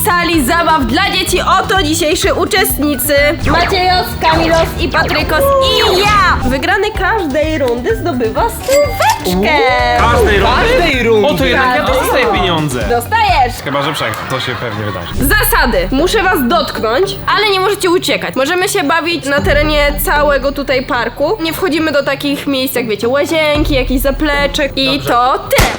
sali zabaw dla dzieci. Oto dzisiejsi uczestnicy. Maciejos, Kamilos i Patrykos i ja. Wygrany każdej rundy zdobywa stóweczkę. Każdej rundy? O, to jednak ja Każdej dostaję rundy. pieniądze. Dostajesz. Chyba, że przegram. To się pewnie wydarzy. Zasady. Muszę was dotknąć, ale nie możecie uciekać. Możemy się bawić na terenie całego tutaj parku. Nie wchodzimy do takich miejsc jak wiecie, łazienki, jakiś zapleczek i to tyle.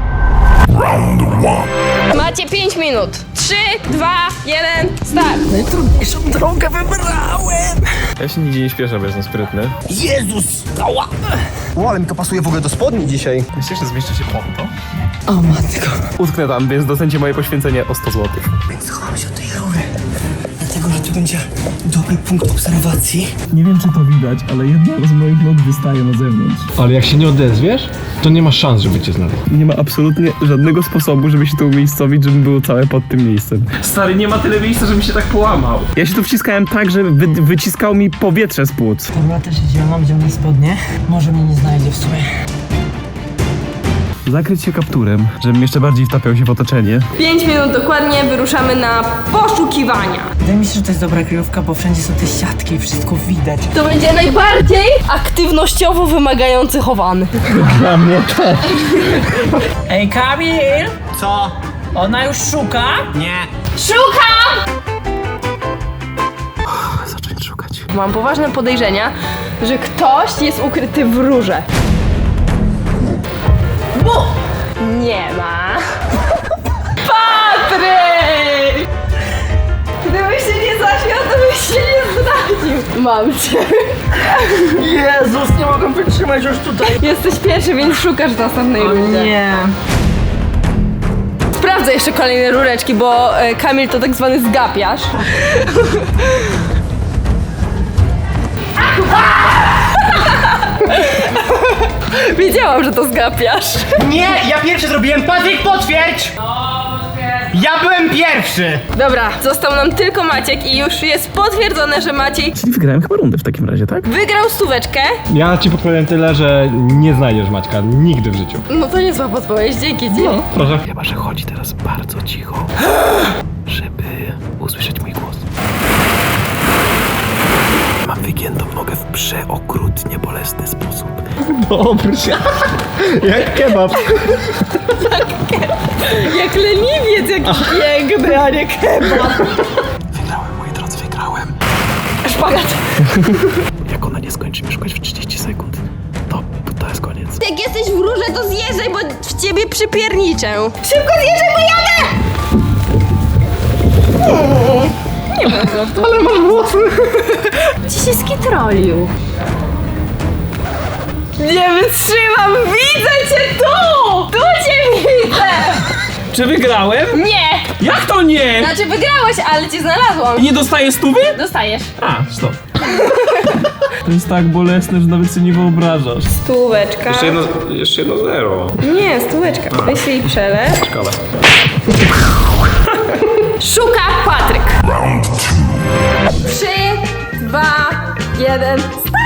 Macie 5 minut. 3, 2, 1, start. Najtrudniejszą drogę wybrałem! Ja się nigdzie nie śpieszę, bo jestem sprytny. Jezus! Ała! O, ale mi to pasuje w ogóle do spodni dzisiaj. Myślisz, że zmieszczę się pod to? O matko. Utknę tam, więc docencie moje poświęcenie o 100 zł. Więc schowam się od tej rury. Dlatego, że tu będzie dobry punkt obserwacji. Nie wiem, czy to widać, ale jedna z moich nóg wystaje na zewnątrz. Ale jak się nie odezwiesz, to nie masz szans, żeby cię znaleźć. Nie ma absolutnie żadnego sposobu, żeby się tu umiejscowić, żeby było całe pod tym miejscem. Stary, nie ma tyle miejsca, żebym się tak połamał. Ja się tu wciskałem tak, że wyciskało mi powietrze z płuc. Dobra, też idziemy, mam zielone spodnie. Może mnie nie znajdzie w sumie. Zakryć się kapturem, żebym jeszcze bardziej wtapiał się w otoczenie. 5 minut dokładnie, wyruszamy na poszukiwania. Wydaje mi się, że to jest dobra kryjówka, bo wszędzie są te siatki i wszystko widać. To będzie najbardziej aktywnościowo wymagający chowany. Dla mnie też. Ej, Kamil! Co? Ona już szuka? Nie. Szukam! Zacząć szukać. Mam poważne podejrzenia, że ktoś jest ukryty w rurze. Bu! Nie ma. Patryk! Gdybyś się nie zaśmiał, to byś się nie zdradził. Mam cię. Jezus, nie mogę wytrzymać już tutaj. Jesteś pierwszy, więc szukasz w następnej rundzie. Nie. Sprawdzę jeszcze kolejne rureczki, bo Kamil to tak zwany zgapiarz. Wiedziałam, że to zgapiasz. Nie, ja pierwszy zrobiłem. Patryk, potwierdź! Ja byłem pierwszy! Dobra, został nam tylko Maciek i już jest potwierdzone, że Maciej Czyli wygrałem chyba rundę w takim razie, tak? wygrał stóweczkę. Ja ci podpowiem tyle, że nie znajdziesz Maćka nigdy w życiu. No to niezła podpowiedź, dzięki ci. Proszę. Chyba, że chodzi teraz bardzo cicho, żeby usłyszeć mój głos. Mam wygiętą nogę w przeokrutnie bolesny sposób. Dobrze. Jak kebab. Jak leniwiec jakiś piękny, a nie kebab. Wygrałem, moi drodzy, wygrałem. Szpagat. Jak ona nie skończy mnie szukać w 30 sekund, to jest koniec. Jak jesteś w rurze, to zjeżdżaj, bo w ciebie przypierniczę. Szybko zjeżdżaj, bo jadę! Nie ma żartu. Ale masz włosy. Ci się skitrolił. Nie wytrzymam, widzę cię tu! Tu cię widzę! Czy wygrałem? Nie! Jak to nie? Znaczy wygrałeś, ale cię znalazłam. I nie dostaję stówy? Dostajesz. A, stop. To jest tak bolesne, że nawet sobie nie wyobrażasz. Stóweczka. Jeszcze jedno zero. Nie, stóweczka. Wyślij przelew. Szkoda. Szuka Patryk. 3, 2, 1.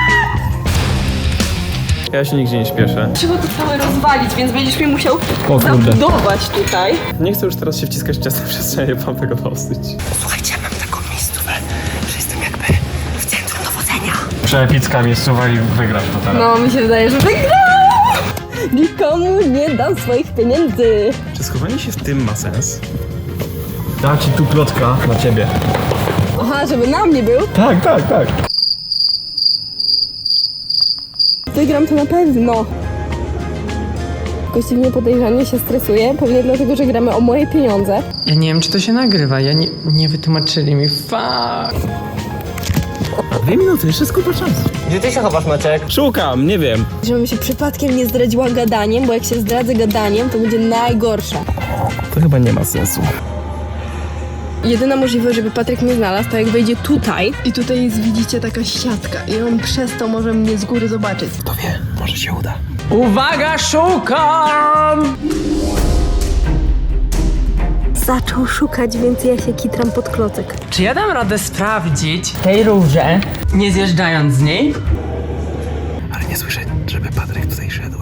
Ja się nigdzie nie śpieszę. Trzeba to całe rozwalić, więc będziesz mi musiał kurde. zabudować tutaj. Nie chcę już teraz się wciskać w ciasne przestrzenie, mam tego dosyć. Słuchajcie, mam taką miejscówę, że jestem jakby w centrum dowodzenia. Przeepicka miejscowa i wygrasz to teraz. No, mi się wydaje, że wygrał! Nikomu nie dam swoich pieniędzy. Czy schowanie się w tym ma sens? Dam ci tu plotka na ciebie. Aha, żeby na mnie był. Tak. Wygram to na pewno. Gości mnie podejrzanie się stresuje, pewnie dlatego, że gramy o moje pieniądze. Ja nie wiem, czy to się nagrywa, nie wytłumaczyli mi. Fuck. 2 minuty, jeszcze jest kupa czasu. Gdzie ty się chowasz, Maciek? Szukam, nie wiem. Żebym się przypadkiem nie zdradziła gadaniem, bo jak się zdradzę gadaniem, to będzie najgorsze. To chyba nie ma sensu. Jedyna możliwość, żeby Patryk mnie znalazł, to jak wejdzie tutaj i tutaj jest, widzicie, taka siatka i on przez to może mnie z góry zobaczyć. Kto wie, może się uda. Uwaga, szukam! Zaczął szukać, więc ja się kitram pod klocek. Czy ja dam radę sprawdzić tej rurze, nie zjeżdżając z niej? Ale nie słyszę, żeby Patryk tutaj szedł.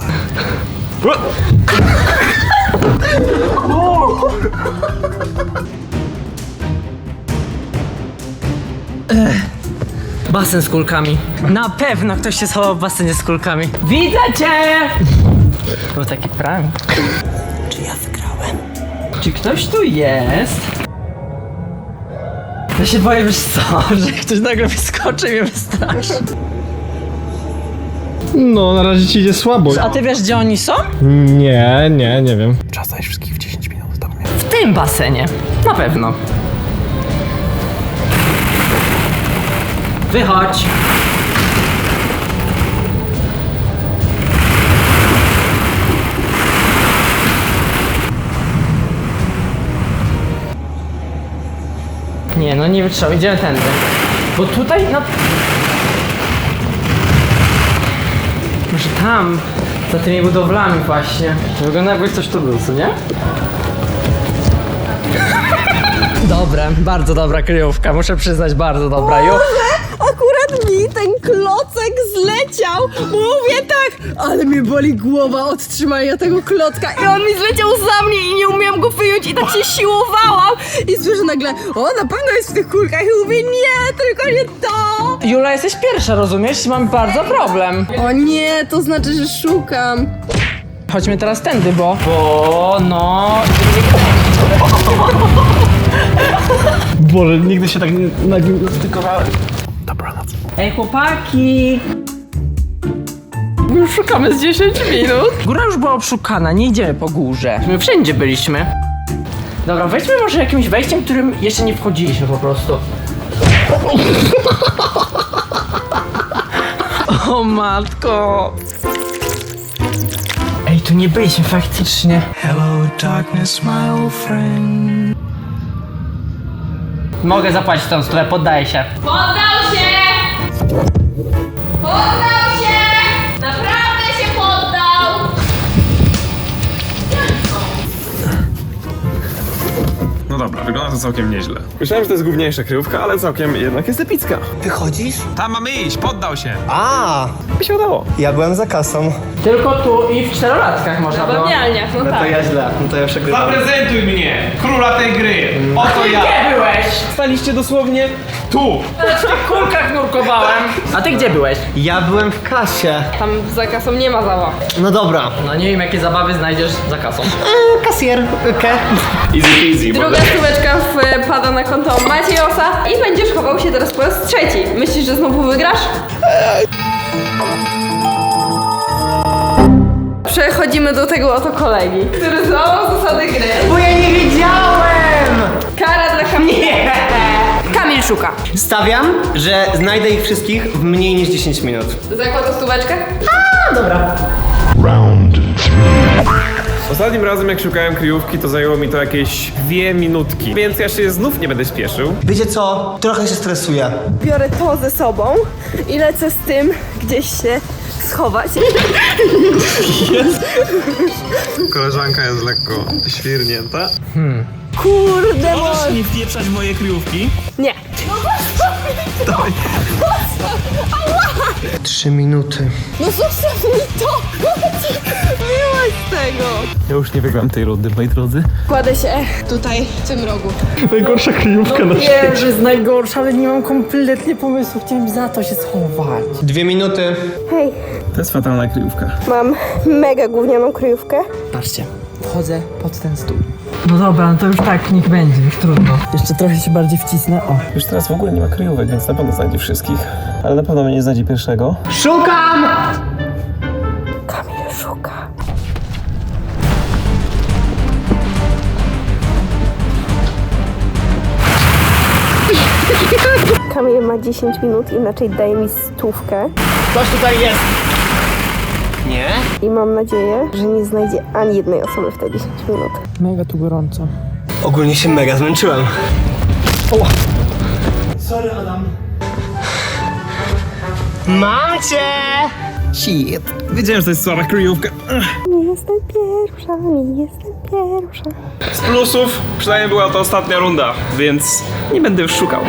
Basen z kulkami. Na pewno ktoś się schował w basenie z kulkami. Widzę cię! Był taki prank. Czy ja wygrałem? Czy ktoś tu jest? Ja się boję, wiesz co, że ktoś nagle wyskoczy i mnie wystraszy. No, na razie ci idzie słabo. A ty wiesz, gdzie oni są? Nie wiem. Czas znaleźć wszystkich w 10 minut. Dobra. W tym basenie. Na pewno. Wychodź. Nie, no nie wytrzymam, idziemy tędy. Bo tutaj na... Może tam, za tymi budowlami właśnie. Wygląda jakby coś tu był, co nie? Dobre, bardzo dobra kryjówka, muszę przyznać, bardzo dobra. Akurat mi ten klocek zleciał. Mówię tak, ale mnie boli głowa od trzymania tego klocka. I on mi zleciał za mnie i nie umiałam go wyjąć i tak się siłowałam. I słyszę nagle, o, na pewno jest w tych kulkach. I mówię, nie, tylko nie to. Jula, jesteś pierwsza, rozumiesz? Mam bardzo problem. O nie, to znaczy, że szukam. Chodźmy teraz tędy, bo... no... Boże, nigdy się tak nie stykowałem. Dobranoc. Ej, chłopaki! Już szukamy z 10 minut. Góra już była obszukana, nie idziemy po górze. My wszędzie byliśmy. Dobra, wejdźmy może jakimś wejściem, którym jeszcze nie wchodziliśmy po prostu. O matko! Ej, tu nie byliśmy faktycznie. Hello darkness, my old friend. Mogę zapłacić tą stronę, poddaję się. Poddał się! Poddał się! Naprawdę się poddał! No dobra, wygląda to całkiem nieźle. Myślałem, że to jest główniejsza kryjówka, ale całkiem jednak jest epicka. Wychodzisz? Tam mamy iść, poddał się. A, By się udało. ja byłem za kasą. Tylko tu i w 4-latkach można było. Bawialniach, no tak. ja źle, no to ja przegrywam. Zaprezentuj mnie, króla tej gry. Oto ja. Gdzie byłeś? Staliście dosłownie tu. W tych kulkach nurkowałem. A ty gdzie byłeś? Ja byłem w kasie. Tam za kasą nie ma zabaw. No dobra. No nie wiem, jakie zabawy znajdziesz za kasą. Kasjer, Easy peasy. Druga stóweczka wpada na konto Maciejosa i będziesz chował się teraz po raz trzeci. Myślisz, że znowu wygrasz? Przechodzimy do tego oto kolegi, który złamał zasady gry. Bo ja nie wiedziałem! Kara dla Kamila. Kamil szuka. Stawiam, że znajdę ich wszystkich w mniej niż 10 minut. Zakłada stóweczkę? Ostatnim razem jak szukałem kryjówki, to zajęło mi to jakieś 2 minutki. Więc ja się znów nie będę śpieszył. Wiecie co? Trochę się stresuję. Biorę to ze sobą i lecę z tym gdzieś się schować. Koleżanka jest lekko świrnięta. Kurde, Możesz nie wpieprzać w moje kryjówki? nie. 3 minuty. No zostaw mi to! Miłość tego! Ja już nie wygram tej rundy, moi drodzy. Kładę się tutaj, w tym rogu. Najgorsza kryjówka na świecie. Wiem, że jest najgorsza, ale nie mam kompletnie pomysłu. Chciałem za to się schować. 2 minuty. Hej, To jest fatalna kryjówka. mam mega gównianą kryjówkę. Patrzcie, wchodzę pod ten stół. No dobra, no to już tak, niech będzie, już trudno. Jeszcze trochę się bardziej wcisnę, o. Już teraz w ogóle nie ma kryjówek, więc na pewno znajdzie wszystkich. Ale na pewno mnie nie znajdzie pierwszego. Szukam! Kamil szuka. Kamil ma 10 minut, inaczej daje mi stówkę. Ktoś tutaj jest. Nie? I mam nadzieję, że nie znajdzie ani jednej osoby w te 10 minut. Mega tu gorąco. Ogólnie się mega zmęczyłem. Oła. Sorry, Adam. Mam cię! Shit. Wiedziałem, że to jest słaba kryjówka. Nie jestem pierwsza, nie jestem pierwsza. Z plusów przynajmniej była to ostatnia runda, więc nie będę już szukał.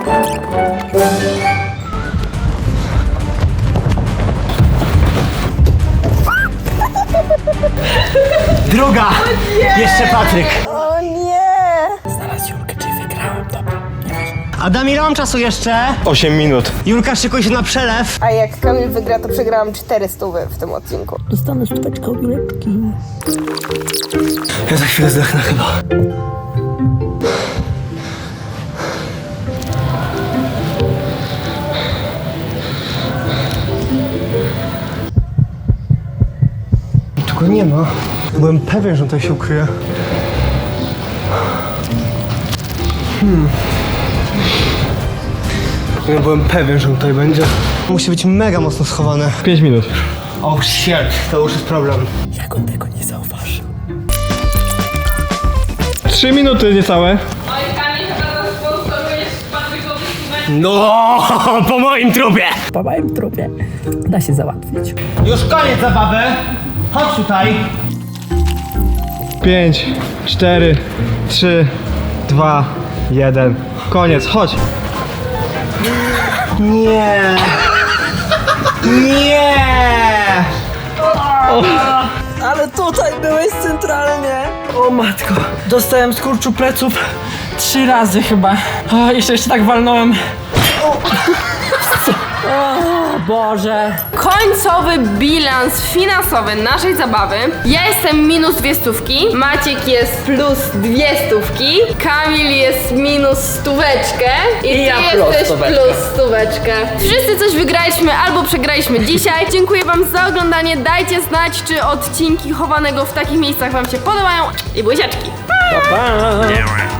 Druga! Jeszcze Patryk. O nie! Znalazł Julkę, czyli wygrałem, dobra. Adam, ile mam czasu jeszcze? 8 minut. Julka, szykuj się na przelew. A jak Kamil wygra, to przegrałam 400 w tym odcinku. Dostanę stóweczkę od Juleczki. Ja za chwilę zdechnę chyba. Tu go nie ma. Byłem pewien, że on tutaj się ukryje. Ja byłem pewien, że on tutaj będzie. Musi być mega mocno schowane. 5 minut. Oh shit, to już jest problem. Jak on tego nie zauważył? 3 minuty niecałe. No, po moim trupie. Po moim trupie da się załatwić. Już koniec zabawy. Chodź tutaj. 5, 4, 3, 2, 1. Koniec, chodź. Nie. Nie. Ale tutaj byłeś centralnie. O matko, dostałem skurczu pleców 3 razy chyba. O, jeszcze tak walnąłem. O Boże. Końcowy bilans finansowy naszej zabawy. Ja jestem minus 2 stówki, Maciek jest plus 2 stówki, Kamil jest minus stóweczkę i ty ja plus jesteś stóweczkę. plus stóweczkę. Wszyscy coś wygraliśmy albo przegraliśmy dzisiaj. Dziękuję wam za oglądanie. Dajcie znać, czy odcinki chowanego w takich miejscach wam się podobają. I buziaczki. Pa, pa.